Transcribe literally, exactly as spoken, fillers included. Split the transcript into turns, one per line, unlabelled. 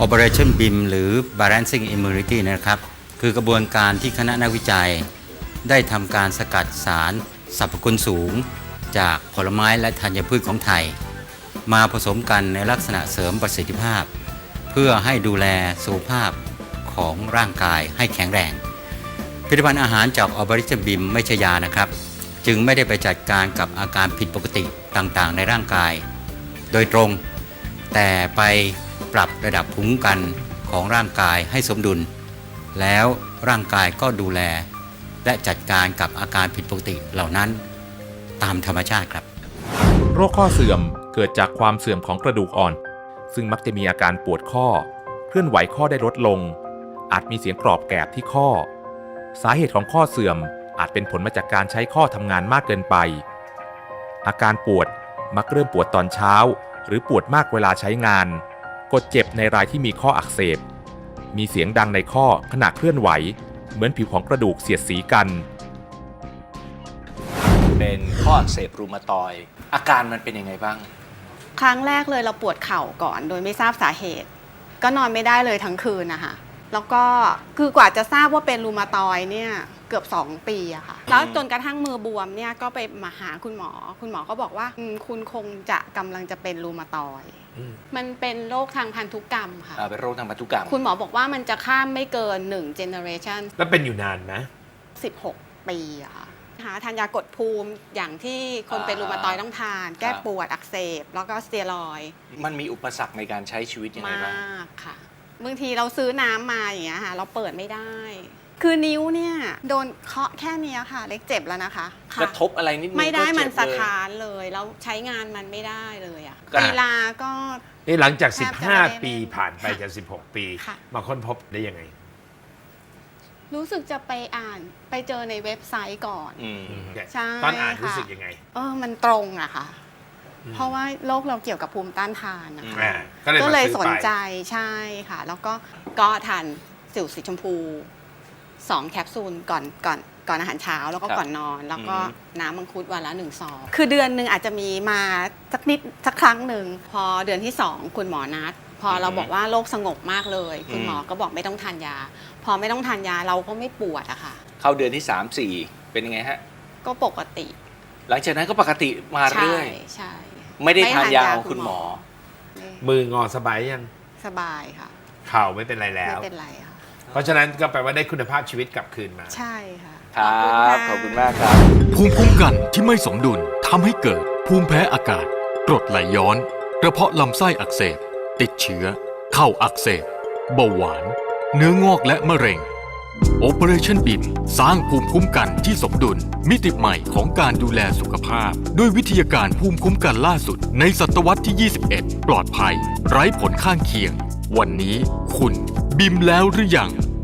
Operation บี ไอ เอ็ม หรือ Balancing Immunity นะครับคือกระบวนการที่คณะนักวิจัยได้ทำการสกัดสารสรรพคุณสูงจากผลไม้และธัญพืชของไทยมาผสมกันในลักษณะเสริมประสิทธิภาพเพื่อให้ดูแลสุขภาพของร่างกายให้แข็งแรงผลิตภัณฑ์อาหารจาก Operation บี ไอ เอ็ม ไม่ใช่ยานะครับจึงไม่ได้ไปจัดการกับอาการผิดปกติต่างๆในร่างกายโดยตรงแต่ไปปรับระดับภูมิคุ้มกันของร่างกายให้สมดุลแล้วร่างกายก็ดูแลและจัดการกับอาการผิดปกติเหล่านั้นตามธรรมชาติครับ
โรคข้อเสื่อมเกิดจากความเสื่อมของกระดูกอ่อนซึ่งมักจะมีอาการปวดข้อเคลื่อนไหวข้อได้ลดลงอาจมีเสียงกรอบแกรบที่ข้อสาเหตุของข้อเสื่อมอาจเป็นผลมาจากการใช้ข้อทำงานมากเกินไปอาการปวดมักเริ่มปวดตอนเช้าหรือปวดมากเวลาใช้งานกดเจ็บในรายที่มีข้ออักเสบมีเสียงดังในข้อขณะเคลื่อนไหวเหมือนผิวของกระดูกเสียดสีกัน
เป็นข้ออักเสบรูมาตอยด์อาการมันเป็นยังไงบ้าง
ครั้งแรกเลยเราปวดเข่าก่อนโดยไม่ทราบสาเหตุก็นอนไม่ได้เลยทั้งคืนนะคะแล้วก็คือกว่าจะทราบว่าเป็นรูมาตอยด์เนี่ยเกือบสองปีอะค่ะแล้วจนกระทั่งมือบวมเนี่ยก็ไปมาหาคุณหมอคุณหมอก็บอกว่าคุณคงจะกำลังจะเป็นรูมาตอยด์มันเป็นโรคทางพันธุกรรมค่ะ
เป็นโรคทางพันธุกรรม
คุณหมอบอกว่ามันจะข้ามไม่เกินหนึ่งเจเนอเรชัน
แล้วเป็นอยู่นานไหม
สิบหกปีอะค่ะหาทานยากดภูมิอย่างที่คนเป็นรูมาตอยด์ต้องทานแก้ปวดอักเสบแล้วก็สเตียรอยด์
มันมีอุปสรรคในการใช้ชีวิตยังไงบ้าง
มากค่ะบางทีเราซื้อน้ำมาอย่างเงี้ยค่ะเราเปิดไม่ได้คือนิ้วเนี่ยโดนเคาะแค่นี้ค่ะเล็กเจ็บแล้วนะคะ
กระทบอะไรนิดนึง
ไม่ได้มันสะท้านเลยแล้วใช้งานมันไม่ได้เลยอ่ะกีฬาก็
นี่หลังจากสิบห้าปีผ่านไปจะสิบหกปีมาค้นพบได้ยังไง
รู้สึกจะไปอ่านไปเจอในเว็บไซต์ก่อน
ใช่ตอนอ่านรู้สึกยังไง
เออมันตรงอะค่ะเพราะว่าโรคเราเกี่ยวกับภูมิต้านทานนะคะ
ก็
เลยสนใจใช่ค่ะแล้วก็ก็ทานสิวสีชมพูสองแคปซูลก่อนก่อนก่อนอาหารเช้าแล้วก็ก่อนนอนแล้วก็น้ำมังคุดวันละหนึ่งซองคือเดือนหนึ่งอาจจะมีมาสักนิดสักครั้งหนึ่งพอเดือนที่สองคุณหมอนัดพอเราบอกว่าโรคสงบมากเลยคุณหมอก็บอกไม่ต้องทานยาพอไม่ต้องทานยาเราก็ไม่ปวดอะค่ะ
เข้าเดือนที่สาม สี่เป็นยังไงฮะ
ก็ปกติ
หลังจากนั้นก็ปกติมาเรื่อย
ใช่
ไม่ได้ทานยาของคุณหมอ
มืองอสบายยัง
สบายค่ะ
เข่าไม่เป็นไรแล้ว
ไม่เป็นไรค่ะ
เพราะฉะนั้นก็แปลว่าได้คุณภาพชีวิตกลับคืนมา
ใช่ค่ะ
ครับขอบคุณมากครับ
ภูมิคุ้มกันที่ไม่สมดุลทำให้เกิดภูมิแพ้อากาศกรดไหลย้อนกระเพาะลำไส้อักเสบติดเชื้อเข่าอักเสบเบาหวานเนื้องอกและมะเร็ง Operation บี ไอ เอ็ม สร้างภูมิคุ้มกันที่สมดุลมิติใหม่ของการดูแลสุขภาพด้วยวิทยาการภูมิคุ้มกันล่าสุดในศตวรรษที่ยี่สิบเอ็ดปลอดภัยไร้ผลข้างเคียงวันนี้คุณบิมแล้วหรือยัง